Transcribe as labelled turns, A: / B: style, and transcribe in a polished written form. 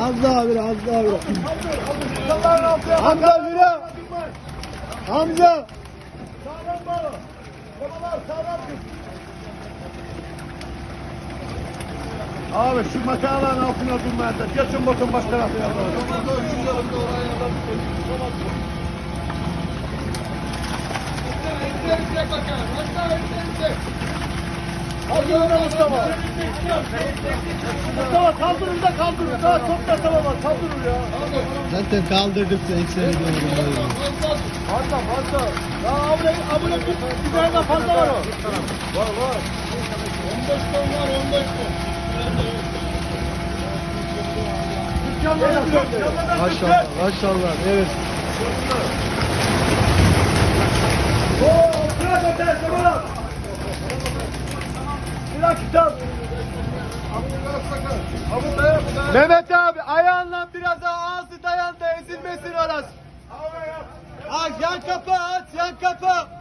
A: Az daha bir, az daha bir. Hamza yürü. Hamza.
B: Sağlam bağlı. Babalar sağlam tut. Abi şu makinenin altına durmayın da. Geçin bakın baş tarafına. Mustafa. Mustafa kaldırın da kaldırın. Daha çok da tamam var. Kaldırın ya.
A: Zaten kaldırdık sen seni doğru.
B: Fazla. Ya abone bir tane daha fazla var o. Var. 15 ton var 15 ton.
A: Maşallah, evet. Mehmet abi ayağınla biraz daha ağzı dayan da ezilmesin orası. Aç yan kapı aç yan kapı.